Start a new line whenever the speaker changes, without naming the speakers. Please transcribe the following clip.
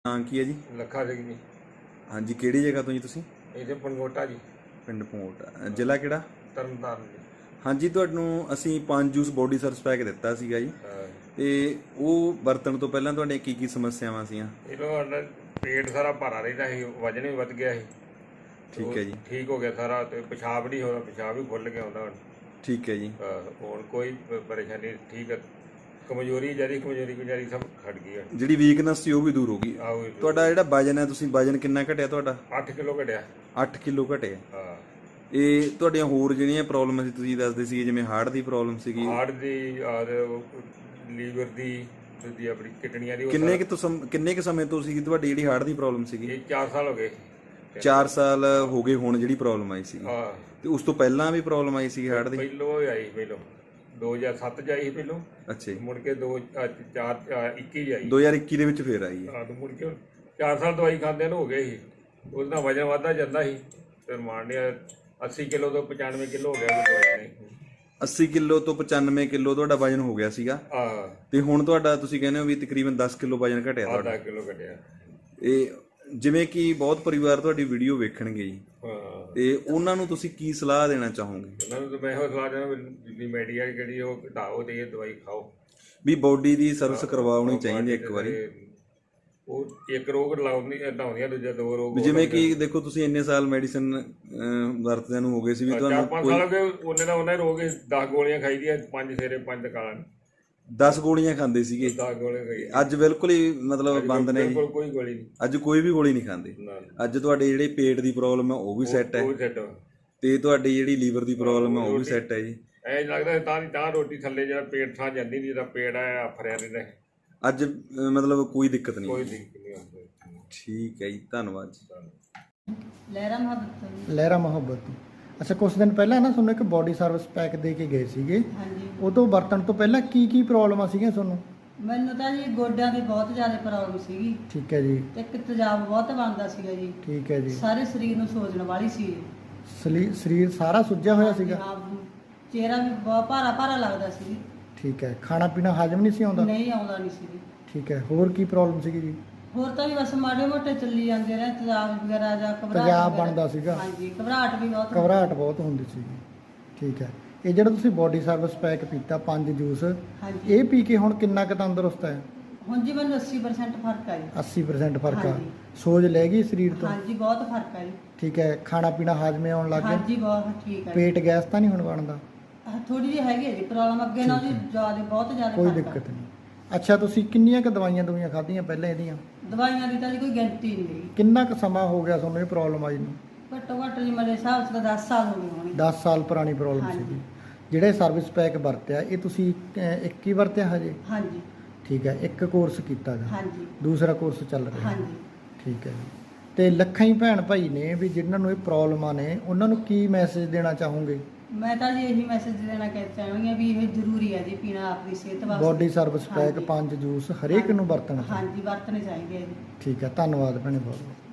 ਨਾਂ ਕੀ ਹੈ ਜੀ?
ਲੱਖਾ ਸਿੰਘ ਜੀ।
ਹਾਂਜੀ, ਕਿਹੜੀ ਜਗ੍ਹਾ ਤੋਂ ਜੀ ਤੁਸੀਂ?
ਇਹਦੇ ਪੰਗੋਟਾ ਜੀ,
ਪਿੰਡ ਪੰਗੋਟਾ, ਜ਼ਿਲ੍ਹਾ ਕਿਹੜਾ?
ਤਰਨਤਾਰਨ ਜੀ।
ਹਾਂਜੀ, ਤੁਹਾਨੂੰ ਅਸੀਂ 5 ਜੂਸ ਬੋਡੀ ਸਰਵਿਸ ਪੈਕ ਦਿੱਤਾ ਸੀਗਾ ਜੀ,
ਹਾਂ।
ਤੇ ਉਹ ਵਰਤਣ ਤੋਂ ਪਹਿਲਾਂ ਤੁਹਾਡੀਆਂ ਕੀ ਕੀ ਸਮੱਸਿਆਵਾਂ ਸੀਗੀਆਂ?
ਇਹਨੂੰ ਪੇਟ ਸਾਰਾ ਭਾਰਾ ਰਹਿੰਦਾ ਸੀ, ਵਜਨ ਵੀ ਵੱਧ ਗਿਆ ਸੀ।
ਠੀਕ ਹੈ ਜੀ।
ਠੀਕ ਹੋ ਗਿਆ ਸਾਰਾ, ਤੇ ਪਿਸ਼ਾਬ ਨਹੀਂ ਹੋਦਾ, ਪਿਸ਼ਾਬ ਵੀ ਖੁੱਲ ਗਿਆ ਹੁੰਦਾ ਹੁਣ।
ਠੀਕ ਹੈ ਜੀ।
ਹੁਣ ਕੋਈ ਪਰੇਸ਼ਾਨੀ ਠੀਕ ਹੈ। ਕਮਜ਼ੋਰੀ ਕਮਜ਼ੋਰੀ ਗੁਜ਼ਾਰੀ ਸਭ ਖੜ ਗਈ ਹੈ।
ਜਿਹੜੀ ਵੀਕਨੈਸ ਸੀ ਉਹ ਵੀ ਦੂਰ ਹੋ ਗਈ। ਤੁਹਾਡਾ ਜਿਹੜਾ ਵਜਨ ਹੈ, ਤੁਸੀਂ ਵਜਨ ਕਿੰਨਾ ਘਟਿਆ ਤੁਹਾਡਾ?
8 ਕਿਲੋ ਘਟਿਆ।
8 ਕਿਲੋ ਘਟਿਆ।
ਹਾਂ।
ਇਹ ਤੁਹਾਡੀਆਂ ਹੋਰ ਜਿਹੜੀਆਂ ਪ੍ਰੋਬਲਮ ਸੀ ਤੁਸੀਂ ਦੱਸਦੇ ਸੀ, ਜਿਵੇਂ ਹਾਰਟ ਦੀ ਪ੍ਰੋਬਲਮ ਸੀਗੀ,
ਹਾਰਟ ਦੀ ਔਰ ਲੀਵਰ ਦੀ, ਦੂਜੀ ਆਪਣੀ ਕਿਡਨੀਆਂ ਦੀ।
ਕਿੰਨੇ ਕੁ ਸਮੇਂ ਤੋਂ ਸੀ ਤੁਹਾਡੀ ਜਿਹੜੀ ਹਾਰਟ ਦੀ ਪ੍ਰੋਬਲਮ ਸੀਗੀ?
ਇਹ 4 ਸਾਲ ਹੋ ਗਏ।
4 ਸਾਲ ਹੋ ਗਏ ਹੁਣ ਜਿਹੜੀ ਪ੍ਰੋਬਲਮ ਆਈ ਸੀ।
ਹਾਂ।
ਤੇ ਉਸ ਤੋਂ ਪਹਿਲਾਂ ਵੀ ਪ੍ਰੋਬਲਮ ਆਈ ਸੀ ਹਾਰਟ ਦੀ?
ਪਹਿਲੋਂ ਆਈ 2007 ਚ ਆਈ ਪਹਿਲੋਂ।
ਅੱਛਾ ਜੀ।
ਮੁੜ ਕੇ 2021 ਆਈ।
2021 ਦੇ ਵਿੱਚ ਫੇਰ ਆਈ ਹੈ।
ਹਾਂ, ਮੁੜ ਕੇ 4 ਸਾਲ ਦਵਾਈ ਖਾਂਦੇ ਨੂੰ ਹੋ ਗਏ ਸੀ। ਉਹਦੇ ਨਾਲ ਵਜਨ ਵੱਧਦਾ ਜਾਂਦਾ ਸੀ, ਫਿਰ ਮਾਰਨਿਆ 80 ਕਿਲੋ ਤੋਂ 95 ਕਿਲੋ ਹੋ ਗਿਆ ਦਵਾਈ ਨੇ।
80 ਕਿਲੋ ਤੋਂ 95 ਕਿਲੋ ਤੁਹਾਡਾ ਵਜਨ ਹੋ ਗਿਆ ਸੀਗਾ।
ਹਾਂ।
ਤੇ ਹੁਣ ਤੁਹਾਡਾ ਤੁਸੀਂ ਕਹਿੰਦੇ ਹੋ ਵੀ ਤਕਰੀਬਨ 10 ਕਿਲੋ ਵਜਨ ਘਟਿਆ ਤੁਹਾਡਾ।
10 ਕਿਲੋ ਘਟਿਆ।
ਇਹ ਜਿਵੇਂ ਕਿ ਬਹੁਤ ਪਰਿਵਾਰ ਤੁਹਾਡੀ ਵੀਡੀਓ ਵੇਖਣਗੇ ਜੀ,
ਹਾਂ,
ਤੇ ਉਹਨਾਂ ਨੂੰ ਤੁਸੀਂ ਕੀ ਸਲਾਹ ਦੇਣਾ ਚਾਹੋਗੇ?
ਉਹਨਾਂ ਨੂੰ ਤਾਂ ਮੈਂ ਇਹੋ ਸਲਾਹ ਦੇਣਾ ਵੀ ਮੈਡੀਆ ਜਿਹੜੀ ਉਹ ਘਟਾਓ ਤੇ ਇਹ ਦਵਾਈ ਖਾਓ।
ਵੀ ਬੋਡੀ ਦੀ ਸਰਵਿਸ ਕਰਵਾਉਣੀ ਚਾਹੀਦੀ ਇੱਕ ਵਾਰੀ।
ਉਹ ਇੱਕ ਰੋਗ ਹਟਾਉਂਦੀਆਂ, ਦੂਜਾ 2 ਰੋਗ।
ਜਿਵੇਂ ਕਿ ਦੇਖੋ ਤੁਸੀਂ ਇੰਨੇ ਸਾਲ ਮੈਡੀਸਨ ਵਰਤਦਿਆਂ ਨੂੰ ਹੋ ਗਏ ਸੀ, ਵੀ ਤੁਹਾਨੂੰ
4-5 ਸਾਲ ਹੋ ਗਏ ਉਹਨੇ ਰੋਗ 10 ਗੋਲੀਆਂ ਖਾਈ ਦੀਆਂ, 5 ਸਵੇਰੇ 5 ਦੁਕਾਨ।
10 ਗੋਲੀਆਂ ਖਾਂਦੇ ਸੀਗੇ,
10 ਗੋਲੀਆਂ ਖਾਈ।
ਅੱਜ ਬਿਲਕੁਲ ਹੀ ਮਤਲਬ ਬੰਦ ਨੇ ਜੀ?
ਕੋਈ ਗੋਲੀ ਨਹੀਂ,
ਅੱਜ ਕੋਈ ਵੀ ਗੋਲੀ ਨਹੀਂ ਖਾਂਦੇ। ਅੱਜ ਤੁਹਾਡੇ ਜਿਹੜੇ ਪੇਟ ਦੀ ਪ੍ਰੋਬਲਮ ਹੈ ਉਹ ਵੀ ਸੈੱਟ ਹੈ, ਤੇ ਤੁਹਾਡੀ ਜਿਹੜੀ ਲੀਵਰ ਦੀ ਪ੍ਰੋਬਲਮ ਹੈ ਉਹ ਵੀ ਸੈੱਟ ਹੈ ਜੀ।
ਐ ਲੱਗਦਾ ਤਾਂ ਰੋਟੀ ਥੱਲੇ ਜਿਹੜਾ ਪੇਟ ਥਾਂ ਜਾਂਦੀ ਨਹੀਂ, ਤਾਂ ਪੇਟ ਆ ਫਰਿਆ ਰਹਿੰਦਾ।
ਅੱਜ ਮਤਲਬ ਕੋਈ ਦਿੱਕਤ ਨਹੀਂ?
ਕੋਈ ਦਿੱਕਤ ਨਹੀਂ ਹੁੰਦੀ।
ਠੀਕ ਹੈ ਜੀ, ਧੰਨਵਾਦ ਜੀ।
ਲਹਿਰਾ ਮੁਹੱਬਤ। ਅੱਛਾ, ਕੁਝ ਦਿਨ ਪਹਿਲਾਂ ਨਾ ਤੁਹਾਨੂੰ ਇੱਕ ਬੋਡੀ ਸਰਵਿਸ ਪੈਕ ਦੇ ਕੇ ਗਏ ਸੀਗੇ।
ਹਾਂਜੀ।
ਉਹ ਤੋਂ ਵਰਤਣ ਤੋਂ ਪਹਿਲਾਂ ਕੀ ਪ੍ਰੋਬਲਮਾਂ ਸੀਗੀਆਂ ਤੁਹਾਨੂੰ?
ਮੈਨੂੰ ਤਾਂ ਜੀ ਗੋਡਿਆਂ ਦੀ ਬਹੁਤ ਜ਼ਿਆਦਾ ਪ੍ਰੋਬਲਮ ਸੀਗੀ।
ਠੀਕ ਹੈ ਜੀ।
ਤੇ ਇੱਕ ਤੇਜ਼ਾਬ ਬਹੁਤ ਬਣਦਾ ਸੀਗਾ ਜੀ।
ਠੀਕ ਹੈ ਜੀ।
ਸਾਰੇ ਸਰੀਰ ਨੂੰ ਸੋਜਣ ਵਾਲੀ ਸੀ।
ਸਰੀਰ ਸਾਰਾ ਸੁੱਜਿਆ ਹੋਇਆ ਸੀਗਾ?
ਹਾਂ, ਚਿਹਰਾ ਵੀ ਬਹੁਤ ਭਾਰਾ ਭਾਰਾ ਲੱਗਦਾ ਸੀ।
ਠੀਕ ਹੈ। ਖਾਣਾ ਪੀਣਾ ਹਜਮ ਨਹੀਂ ਸੀ ਆਉਂਦਾ?
ਨਹੀਂ ਆਉਂਦਾ ਨਹੀਂ ਸੀ।
ਠੀਕ ਹੈ। ਹੋਰ ਕੀ ਪ੍ਰੋਬਲਮ ਸੀਗੀ ਜੀ?
ਹੋਰ ਤਾਂ ਵੀ ਬਸ ਮਾੜੇ ਮੋਟੇ ਚੱਲੀ ਜਾਂਦੇ ਰਹੇ, ਤੇਜ਼ਾਬ ਵਗੈਰਾ ਜਾਂ ਘਬਰਾਹਟ।
ਤੇਜ਼ਾਬ ਬਣਦਾ ਸੀਗਾ?
ਹਾਂਜੀ, ਘਬਰਾਹਟ ਵੀ ਬਹੁਤ।
ਘਬਰਾਹਟ ਬਹੁਤ ਹੁੰਦੀ ਸੀਗੀ। ਠੀਕ ਹੈ। ਇਹ ਜਿਹੜਾ ਤੁਸੀਂ ਬੋਡੀ ਸਰਵਿਸ ਪੈਕ ਪੀਤਾ 5 ਜੂਸ,
ਹਾਂਜੀ,
ਇਹ ਪੀ ਕੇ ਹੁਣ ਕਿੰਨਾ ਕੁ ਤੰਦਰੁਸਤ ਹੈ?
ਹੁਣ ਜੀ ਮੈਨੂੰ 80% ਫਰਕ ਆ ਜੀ।
80% ਫਰਕ ਆ?
ਹਾਂਜੀ।
ਸੋਜ ਲੈ ਗਈ ਸਰੀਰ ਤੋਂ?
ਹਾਂਜੀ, ਬਹੁਤ ਫਰਕ ਆ ਜੀ।
ਠੀਕ ਹੈ। ਖਾਣਾ ਪੀਣਾ ਹਾਜ਼ਮੇ ਆਉਣ ਲੱਗ ਗਿਆ?
ਹਾਂਜੀ, ਬਹੁਤ ਠੀਕ ਹੈ।
ਪੇਟ ਗੈਸ ਤਾਂ ਨਹੀਂ ਹੁਣ ਬਣਦਾ?
ਥੋੜੀ ਜਿਹੀ ਹੈਗੀ ਹੈ ਜੀ ਪ੍ਰੋਬਲਮ, ਅੱਗੇ ਨਾਲ ਜੀ ਜ਼ਿਆਦਾ, ਬਹੁਤ ਜ਼ਿਆਦਾ
ਕੋਈ
ਫਰਕ ਆ।
ਦਿੱਕਤ ਨਹੀਂ। ਅੱਛਾ, ਤੁਸੀਂ ਕਿੰਨੀਆਂ ਕੁ ਦਵਾਈਆਂ ਖਾਧੀਆਂ ਪਹਿਲਾਂ ਇਹਦੀਆਂ?
ਦਵਾਈਆਂ ਦੀ ਤਾਂ ਜੀ ਕੋਈ ਗਿਣਤੀ ਨਹੀਂ ਹੈਗੀ।
ਕਿੰਨਾ ਕੁ ਸਮਾਂ ਹੋ ਗਿਆ ਤੁਹਾਨੂੰ ਇਹ ਪ੍ਰੋਬਲਮ ਆਈ ਨੂੰ?
ਘੱਟੋ ਘੱਟ ਜੀ ਮੇਰੇ ਹਿਸਾਬ 'ਚ ਤਾਂ 10 ਸਾਲ ਹੋ ਗਏ ਹੋਣੇ।
10 ਸਾਲ ਪੁਰਾਣੀ ਪ੍ਰੋਬਲਮ
ਹਾਂਜੀ।
ਸੀਗੀ। ਜਿਹੜੇ ਸਰਵਿਸ ਪੈਕ ਵਰਤਿਆ ਇਹ ਤੁਸੀਂ ਇੱਕ ਹੀ ਵਰਤਿਆ ਹਜੇ?
ਹਾਂਜੀ।
ਠੀਕ ਹੈ। ਇੱਕ ਕੋਰਸ ਕੀਤਾ ਗਾ?
ਹਾਂਜੀ।
ਦੂਸਰਾ ਕੋਰਸ ਚੱਲ ਰਿਹਾ?
ਹਾਂਜੀ।
ਠੀਕ ਹੈ ਜੀ। ਤੇ ਲੱਖਾਂ ਹੀ ਭੈਣ ਭਾਈ ਨੇ ਵੀ ਜਿਨ੍ਹਾਂ ਨੂੰ ਇਹ ਪ੍ਰੋਬਲਮਾਂ ਨੇ, ਉਹਨਾਂ ਨੂੰ ਕੀ ਮੈਸੇਜ ਦੇਣਾ ਚਾਹੋਗੇ?
ਮੈਂ ਤਾਂ ਜੀ ਇਹੀ ਮੈਸੇਜ ਦੇਣਾ ਚਾਹੁੰਦੀ ਹਾਂ ਵੀ ਇਹ ਜ਼ਰੂਰੀ ਹੈ ਜੀ ਪੀਣਾ ਆਪਣੀ ਸਿਹਤ ਵਾਸਤੇ।
ਬੋਡੀ ਸਰਵਿਸ ਪੈਕ
ਹਾਂਜੀ।
5 ਜੂਸ ਹਰੇਕ ਨੂੰ ਵਰਤਣਾ ਚਾਹੀਦਾ?
ਹਾਂਜੀ, ਵਰਤਣੇ ਚਾਹੀਦੇ ਆ ਜੀ।
ਠੀਕ ਹੈ। ਧੰਨਵਾਦ ਭੈਣੇ ਬਹੁਤ।